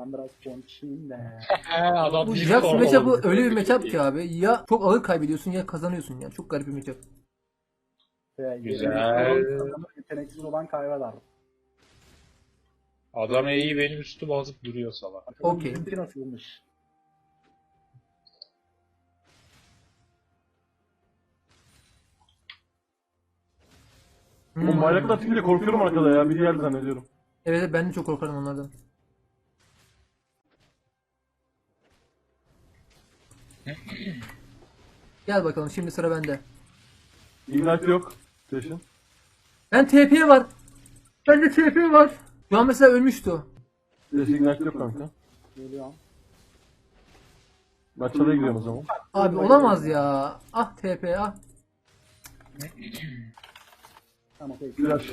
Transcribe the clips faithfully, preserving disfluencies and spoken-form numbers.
ben biraz konuşayım da. Adam Bu bir Jax kovaladı. matchup'ı öyle bir matchup ki abi. Ya çok ağır kaybediyorsun ya kazanıyorsun ya. Çok garip bir matchup. Güzel. Yeteneksiz olan kaybeder. Adam iyi benim üstüme azıp duruyor salak. Okey. Bizimki nasılmış? Hmm. Oğlum bayraklar çıkınca korkuyorum arkada ya. Biri geldi zannediyorum. Evet ben de çok korkarım onlardan. Gel bakalım şimdi sıra bende. Ignite yok. Station. Ben T P var. Bende T P var. Şu an mesela ölmüştü o. Station Ignite yok kanka. Geliyorum. Ben çalıya gidiyorum o zaman. Abi olamaz ya. Ah T P ah. Tamam okey. Flash.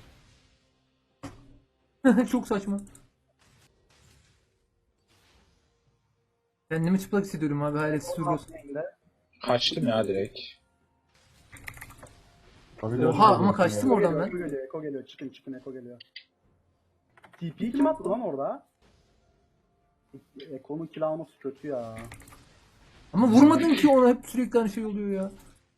Çok saçma. Kendimi çıplak hissediyorum abi hayaletsiz duruyoruz. Kaçtım ya direkt. Oha ama kaçtım oradan Eko ben. geliyor, Eko geliyor. Çıkın çıkın Eko geliyor. T P'yi kim attı lan orada? Eko'nun kill alması kötü ya. Ama vurmadın ki ona hep sürekli aynı şey oluyor ya.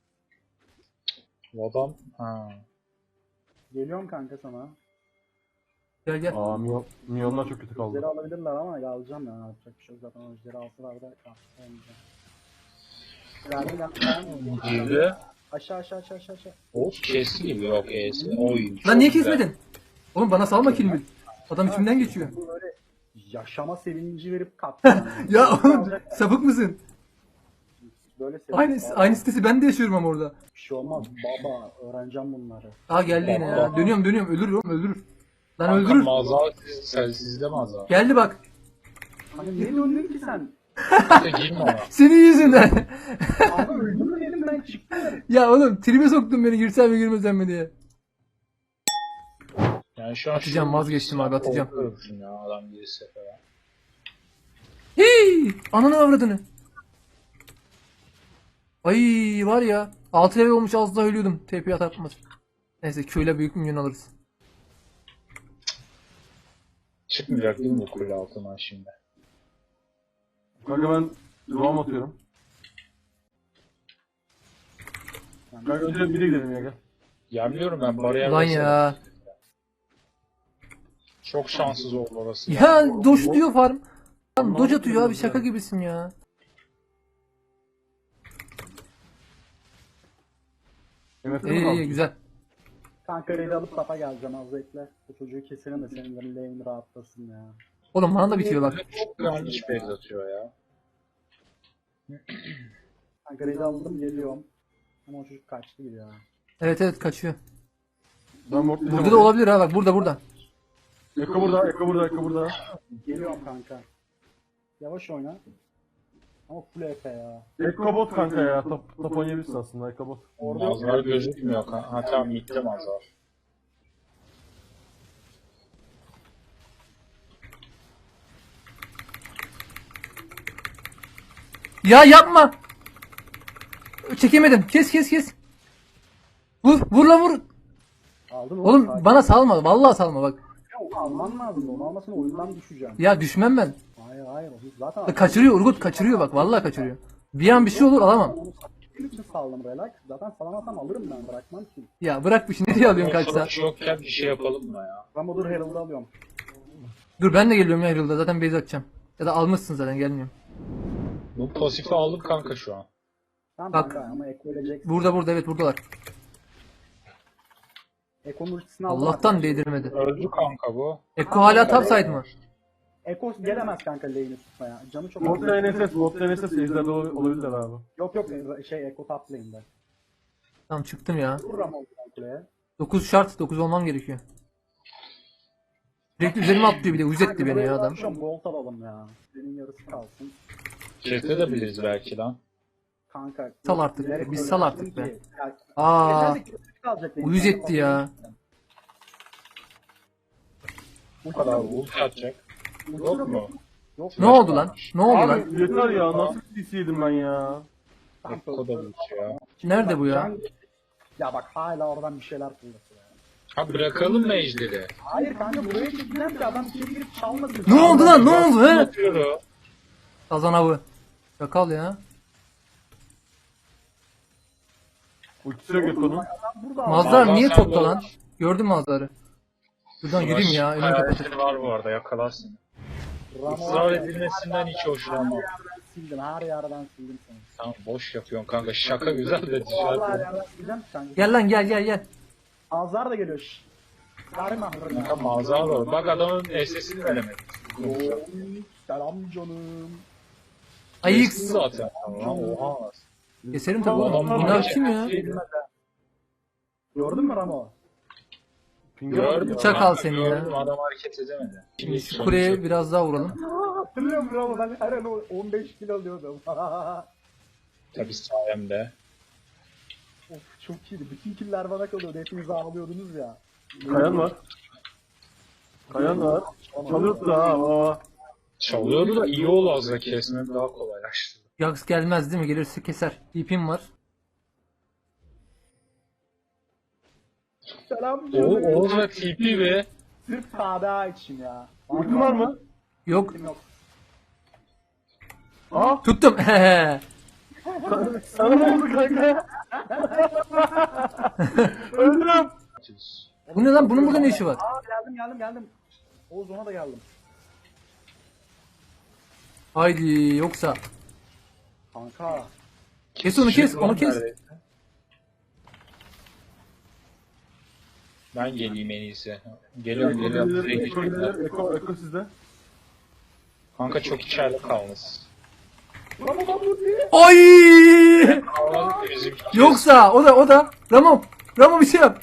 Bu adam... Ha. Geliyorum kanka sana. Gel gel. Aa Mion, Mion'lar çok kötü kaldı. Ejderi alabilirler ama alacağım ya. Yapacak bir şey yok zaten. O ejderi alsalar da kalmayacağım. Verdim ben. Girdi. Aşağı aşağı aşağı aşağı aşağı. Of kesti gibi yok E'si. Oy. çok Lan niye güzel. kesmedin? Oğlum bana salma kilimi. Adam içimden geçiyor. Bu böyle yaşama sevinci verip kattı. Yani. Ya oğlum sapık mısın? Böyle sevinç. Aynı, aynı sitesi ben de yaşıyorum ama orada. Bir şey olmaz baba. Öğreneceğim bunları. Aa geldi yine ya. Dönüyorum dönüyorum öldürür oğlum öldürür. Lan Kanka öldürür. mağaza sen sizde mağaza. Geldi bak. Hani niye döndün ki sen? Kanka girme ona. Senin yüzünden. Abi öldürmeyelim ben çıktım. Ya oğlum tribe soktun beni girsem mi girmesem mi diye. Yani şu an Atacağım, şu- vazgeçtim abi, atacağım. Korkuyorum ya adam girse falan. Hii! Ananı avradını. Ay var ya. altı level olmuş az daha ölüyordum. T P atmaz. Neyse Q ile büyük minyon alırız. Çıkmayacak değil mi bu kule altından şimdi? Kanka ben roam atıyorum. Kanka önce biri gidelim ya gel. Yemliyorum ben bariyer Lan versene. ya. Çok şanssız oldu orası. Ya doş diyor farm. Lan doç atıyor abi şaka gibisin ya. Evet, İyi iyi güzel. Kanka raid alıp tapa geleceğim az bekle. Bu çocuğu keselim de senin de lane rahatlasın ya. Oğlum bana da bitiyor bak. Çok yanlış base atıyor ya. Kanka raid aldım geliyorum. Ama o çocuk kaçtı gibi ya. Evet evet kaçıyor. Ben mortlayacağım. Burada da olabilir ha bak burada burada. Eko burada, Eko burada, Eko burada. Geliyorum kanka. Yavaş oyna. Ama full E P ya. Eko bot kanka ya. Top, top oynayabilirsin aslında Eko bot. Orada yok. Mazhar gözükmüyor. Ha ha, tamam gitti Mazhar. Ya yapma. Çekemedim. Kes kes kes. Vur vur la vur. Aldın oğlum. Oğlum Sakin. bana salma. Vallahi salma bak. Ya, onu alman lazım. Onu almasın oyundan düşeceğim. Ya düşmem ben. Hayır hayır. o Zaten Kaçırıyor Urgut kaçırıyor bak. Vallahi kaçırıyor. Bir an bir şey olur alamam. Onu sattığı için saldım relax. Zaten salamazsam alırım ben. Bırakmam ki. Ya bırak bir şey. Nereye alıyorsun kaçsa? Sonuç yokken bir şey yapalım mı ya? Rambodur Herald'ı alıyorum. Dur ben de geliyorum ya Herald'a. Zaten base atacağım. Ya da almışsın zaten gelmiyorum. Bu pasifi aldım kanka şu an. Tamam Bak. kanka ama Eko ölecek. Burada burada evet buradalar. Eko'nun ultisini aldım. Allah'tan değdirmedi. Öldü kanka bu. Eko hala topside mı? Eko gelemez kanka lane'i tutmaya. Canı çok Bot lane S S, bot lane S S ejderde ol- olabilirler abi. Yok yok şey Eko top lane'de. Tamam çıktım ya. Vur Ramon kuleye. dokuz şart. dokuz olmam gerekiyor. Direkt üzerime atlıyor bir de. Uyuz etti beni ya adam. Şu an gold alalım ya. Senin yarısı kalsın. Çete de biliriz belki lan. Kanka. Sal artık, bilerek biz öyle sal yaptım artık be. ki. Yani, Aa, yeterli ki kalacak lane. uyuz etti ya. Bu kadar ult atacak. Yok mu? Yok. Ne oldu lan? Ne oldu lan? Abi yeter ya, nasıl C C yedim ben ya. O da ult ya. Nerede bu ya? Can- Ya bak hala oradan bir şeyler fırlatıyor ya. Ha bırakalım mı ejderi? Hayır kanka buraya çekeceğim ki adam içeri girip çalmasın. Ne oldu lan ne oldu he? Yapıyor. Kazan avı. Çakal ya. Ultisi yok Ekko'nun. Adam burada Mazlar Mazhar niye sen topta de lan? Gördün mü Mazlar'ı? Buradan yürüyeyim ya. Önümü kapatayım. Hayalleri var bu arada yakalarsın. Ramo Israr var ya, edilmesinden hiç hoşlanmam. Her yerden sildim, her yerden sildim seni. Tamam boş yapıyorsun kanka şaka güzel de Vallahi her dışarı. yerden sileceğim kanka. Gel lan gel gel gel. Azar da geliyor şşş. Verme ahırına. Kanka mazhar var. Bak adamın S S'ini veremedik. Oy, selam canım. Ayık. Geçti zaten. Tamam oha. Keserim tabi oğlum. Adam Bunlar var kim ya? Gördün mü Ramo? Gördüm. Çakal kanka, seni ya. gördüm, adam hareket edemedi. Şimdi Şu kuleye biraz daha vuralım. Hatırlıyor musun Ramo? Ben her an on beş kilo alıyordum. Tabii sayemde. Of çok iyiydi. Bütün killer bana kalıyordu. Hepiniz ağlıyordunuz ya. Kayan var. Kayan var. Çalıyordu da ha. Aa. Çalıyordu da iyi oldu az da kesmek daha kolaylaştı. Yags gelmez değil mi? Gelirse keser. İpim var. Selam O canım. Oğuz ve T P ve Sırf K D A için ya. Ultin var mı? Yok. Yok. Aa. Tuttum. Sana ne oldu kanka? Öldüm. Bu ne lan? Bunun burada ne işi var? Aa geldim geldim geldim. Oğuz ona da geldim. Haydi yoksa. Kanka. Kes onu kes. Onu kes. Ben geleyim en iyisi. Geliyorum geliyorum. Eko Direkt Eko geçiyorum. gelir. Eko Eko sizde. Kanka çok içeride kalmış. Ramo bak bu diye. Ay! Kalmadı ki bizim. Yoksa o da o da. Ramo. Ramo bir şey yap.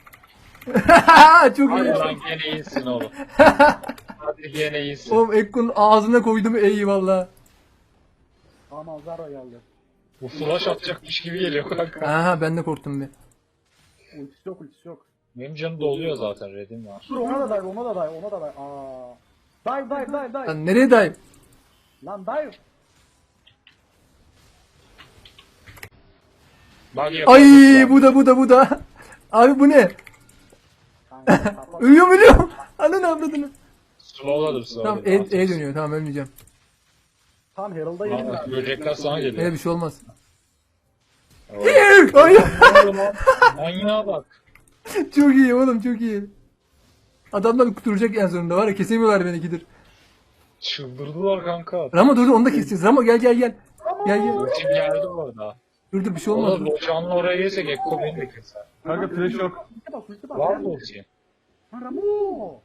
Çok Hadi iyi. lan gene iyisin oğlum. Hadi gene iyisin. Oğlum Ekko'nun ağzına koydum eyvallah. Tamam Zara geldi. Bu flash atacakmış gibi geliyor kanka. Aha ben de korktum bir. Ultisi yok ultisi yok. Benim canım doluyor zaten redim var. Dur ona da dive ona da dive ona da dive. Aa. Dive dive dive dive. Lan nereye dayım? Lan dive. Bak Ay bu da bu da bu da. Abi bu ne? Kanka kapat. Ölüyorum ölüyorum. Ananı avradını. Slowladım Tamam slowladım. E, e dönüyor tamam ölmeyeceğim. Tam Herald'a yedim Aa, ben. Böcekler sana Öyle geliyor. bir şey olmaz. Evet. Ay, Manyağa bak. çok iyi oğlum çok iyi. Adamlar kurtulacak en sonunda var ya kesemiyorlar beni gidir. Çıldırdılar kanka. Ramo dur dur, onu da keseceğiz. Ramo gel gel gel. Gel gel. Ultim geldi bu arada. Dur dur bir şey O da olmaz. Dur. Locan'la oraya gelsek Ekko beni de keser. Kanka trash yok. Ulti bak ulti bak. Var mı ulti? Ha, Ramo.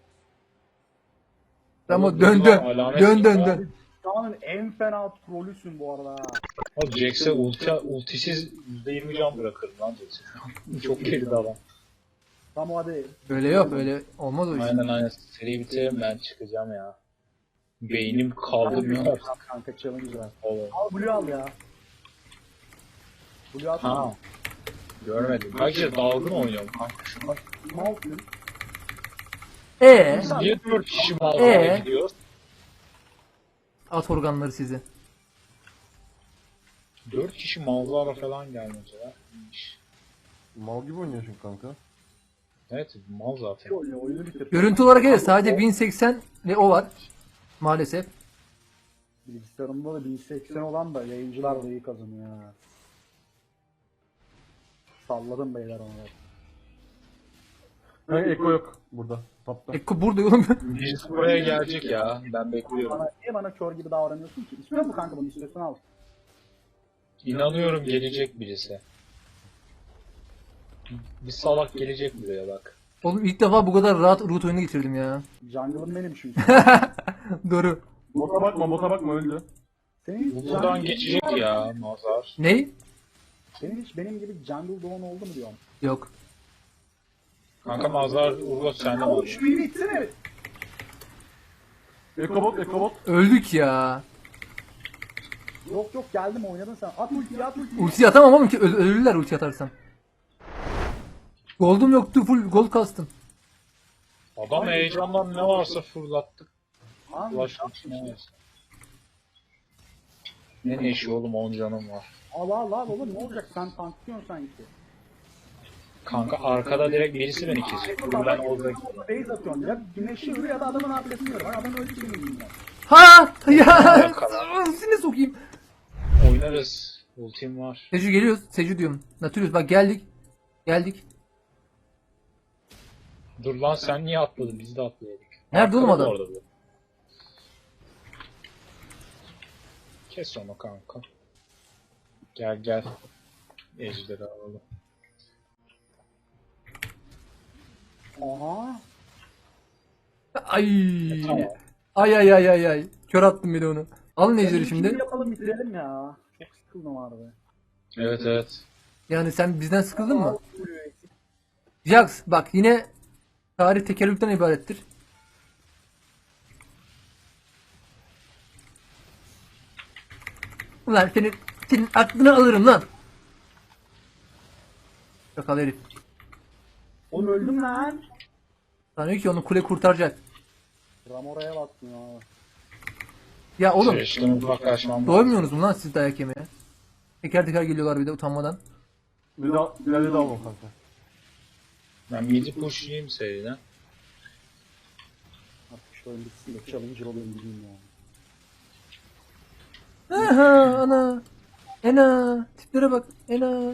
Ramo dön dön. Alamet Dön dön yok. dön. Dünyanın en fena trollüsün bu arada. O Jax'e ulti, ultisiz yüzde yirmi can bırakırım lan Jax'e. Çok geride adam. Ramo hadi. Öyle yok öyle olmaz o iş. Aynen aynen. Seri bitirelim ben çıkacağım ya. Beynim kaldırmıyor artık. Kanka challenge ver. Oğlum. Al Blue al ya. Blue al. Ha. Görmedim. Bence dalgın oynuyorum kanka şu an. Malsın. Ee, Niye dört kişi mağazaya Ee? gidiyoruz? at organları sizi. Dört kişi mağazalara falan gelmediler. Mal gibi oynuyorsun kanka. Evet mal zaten. Oyunu, oyunu bitir. Görüntü olarak evet sadece bin seksen ve o var. Maalesef. Bilgisayarımda da bin seksen olan da yayıncılar da iyi kazanıyor ha. Salladım beyler onu. Kanka Eko yok burada. Tapta. Ekko burada oğlum. Birisi buraya gelecek ya. Ben bekliyorum. Bana, niye bana kör gibi davranıyorsun ki? İstiyor musun kanka bunu? İstiyorsan al. İnanıyorum gelecek birisi. Bir salak gelecek buraya bak. Oğlum ilk defa bu kadar rahat root oyunu geçirdim ya. Jungle'ım benim çünkü. Doğru. Bota bakma bota bakma öldü. Senin Bu hiç, buradan jungle, geçecek ya Mazhar. Ney? senin hiç benim gibi jungle doğan oldu mu diyorum. Yok. Kanka Mazhar Urgot sende Oğlum mi? şu beni itsene. Eko bot Eko bot. Öldük ya. Yok yok geldim oynadın sen. At ultiyi at ultiyi. Ulti atamam ama ki öl- ölürler ulti atarsam. Gold'um yoktu full gold kastım. Adam heyecandan ne varsa fırlattık. Lan, Ulaştık ne varsa. Ne neşi oğlum on canım var. Al al al oğlum ne olacak sen tanklıyorsun sanki. Kanka arkada direkt birisi beni kesiyor. Dur ben orada Base atıyorum ya. Güneşi vuruyor ya da adamın ablesini yiyorum. Adam öldü ki benim yüzümden. Ha ya. Seni sokayım. oynarız. Ultim var. Seju geliyoruz. Seju diyorum. Natürüz bak geldik. Geldik. Dur lan sen niye atladın? Biz de atlayalım. Nerede oğlum Arkada adam? orada bu. Kes onu kanka. Gel gel. Ejderi alalım. Aha. Ay. E, tamam. Ay ay ay ay ay. Kör attım bir de onu. Alın ejderi Şimdi şimdi. yapalım bitirelim ya. Çok sıkıldım abi. Evet evet. Yani sen bizden sıkıldın mı? Jax bak yine tarih tekerrürden ibarettir. Ulan senin, senin aklını alırım lan. Çakal herif. Oğlum öldüm lan. Sanıyor ki onu kule kurtaracak. Ramora'ya bakmıyor abi. Ya oğlum Süreçten uzaklaşmam lazım. doymuyorsunuz mu lan siz dayak yemeye? Teker teker geliyorlar bir de utanmadan. Bir daha bir daha alma kanka. Ben midi pushlayayım seriden. Artık şu oyun bitsin de challenger olayım gideyim ya. Aha ana. Ena. Tiplere bak. Ena.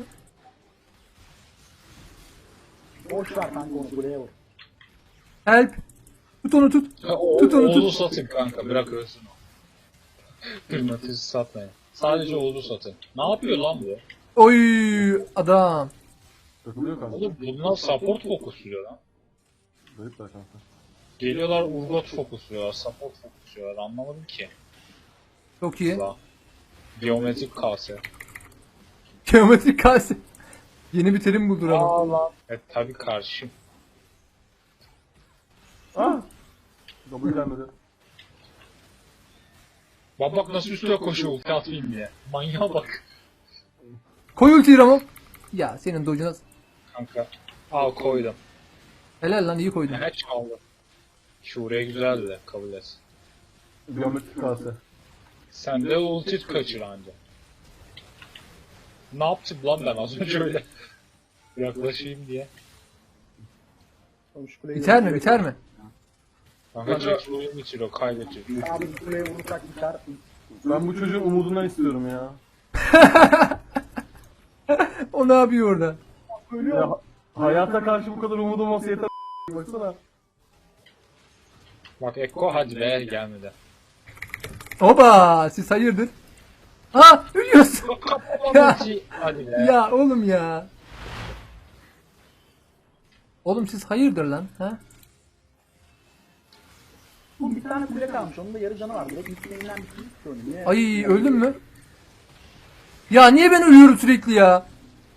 Boş ver kanka onu kuleye vur. Help. Tut onu tut. Ha, o, Tut onu, Oğuz'u tut. satın kanka bırak ölsün o. Kırmatızı satmayın. Sadece Oğuz'u satın. Ne yapıyor lan bu? Oy adam. Takılıyor kanka. Oğlum bunlar support fokusluyor lan. Garipler kanka. Geliyorlar Urgot fokusluyorlar, support fokusluyorlar. Anlamadım ki. Çok iyi. La. Geometrik kase. Geometrik kase. Yeni bir terim buldur ama. Aa lan. Evet tabi karşım. Ah! W gelmedi. Bak bak nasıl üstüne koşuyor ulti atayım diye. Manyağa bak. Koy ultiyi Ramon. Ya senin dojuna Kanka. Al koydum. helal lan iyi koydun. Ne çaldı. Şuraya güzeldi de kabul et. Geometrik kase. Sen de ulti kaçır anca. Ne yaptım lan ben az önce öyle. Yaklaşayım diye. Oğlum şu kuleyi Biter mi vur- biter mi? Kanka direkt oyun bitiriyor, kaybediyor. Abi bu kuleye vurursak biter. Ben bu çocuğun umudundan istiyorum ya. O ne yapıyor orada? Ya ha- hayata karşı bu kadar umudum olsa yeter. Baksana. Bak Ekko hadi be gelmedi. Oba siz hayırdır? Ha ölüyorsun. Ya. Hadi be. Ya oğlum ya. Oğlum siz hayırdır lan ha? Bu bir tane kule kalmış. Onun da yarı canı var. Direkt ilklerinden bitirdik ki onu. Niye? Ay öldün mü? Ya niye ben ölüyorum sürekli ya?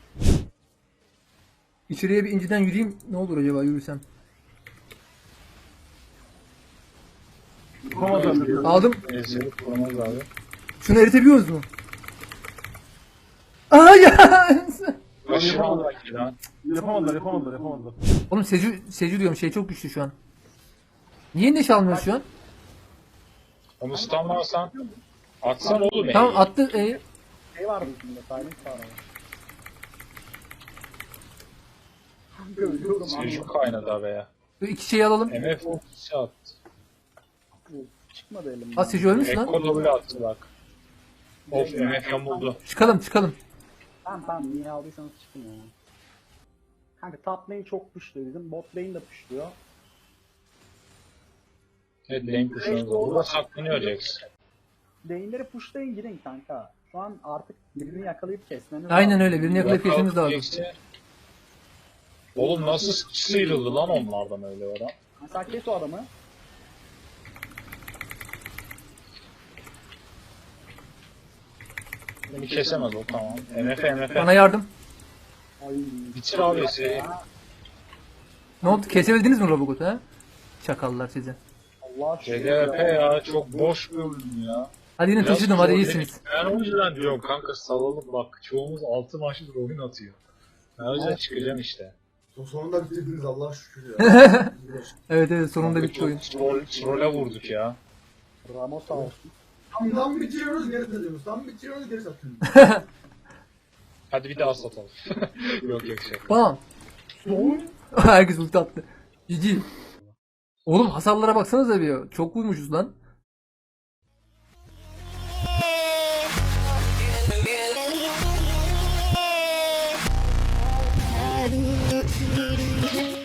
İçeriye bir inciden yürüyeyim. Ne olur acaba yürüsem? Yapamazlar dedi. Aldım. Ezeli kuramaz abi. Şunu eritebiliyoruz mu? Aa ya. Aşırı alak lan. Yapamadılar, yapamadılar, yapamadılar. Oğlum Seju, Seju diyorum şey çok güçlü şu an. Niye neşe almıyoruz şu an? Onu stunlarsan atsan oğlum ya. Tamam attı. E, Şey vardı içinde. Silent var ama. Kanka ölüyorum abi. Sürücü kaynadı abi ya. iki şeyi alalım. M F ultisi attı. Çıkmadı elimden. Ha Seju ölmüş lan. Ekko W attı bak. Of M F yamuldu. Çıkalım çıkalım. Tamam tamam niye aldıysanız çıkın ya. Kanka top lane çok pushluyor bizim. Bot lane de pushluyor. Evet lane kuşanı da. Burada saklanıyor Jax. Lane'leri pushlayın girin kanka. Şu an artık birini yakalayıp kesmeniz Aynen lazım. öyle birini yakalayıp geçmemiz lazım. Jax'i. Oğlum nasıl sıyrıldı lan onlardan öyle adam. Mesela kes o adamı. Beni kesemez o tamam. M F M F. Bana yardım. Ay. Bitir abi seri. Ne oldu? Kesebildiniz mi Robocot'u ha? Çakallar size. Allah C D P ya çok boş bir oyun ya. Hadi yine Biraz taşıdım hadi zor iyisiniz. değil. Ben o yüzden diyorum kanka salalım bak çoğumuz altı maçlık oyun atıyor. Ben o yüzden çıkacağım işte. Sonunda bitirdiniz Allah'a şükür ya. Evet evet sonunda bitti Çok oyun. troll, trolle vurduk ya. Ramos sağ olsun. tam, tam bitiriyoruz geri satıyoruz. Tam bitiriyoruz geri satıyoruz. Hadi bir daha satalım. yok yok şey. Tamam. Herkes ulti attı. Cici. Oğlum hasarlara baksanıza bir. Çok vurmuşuz lan. I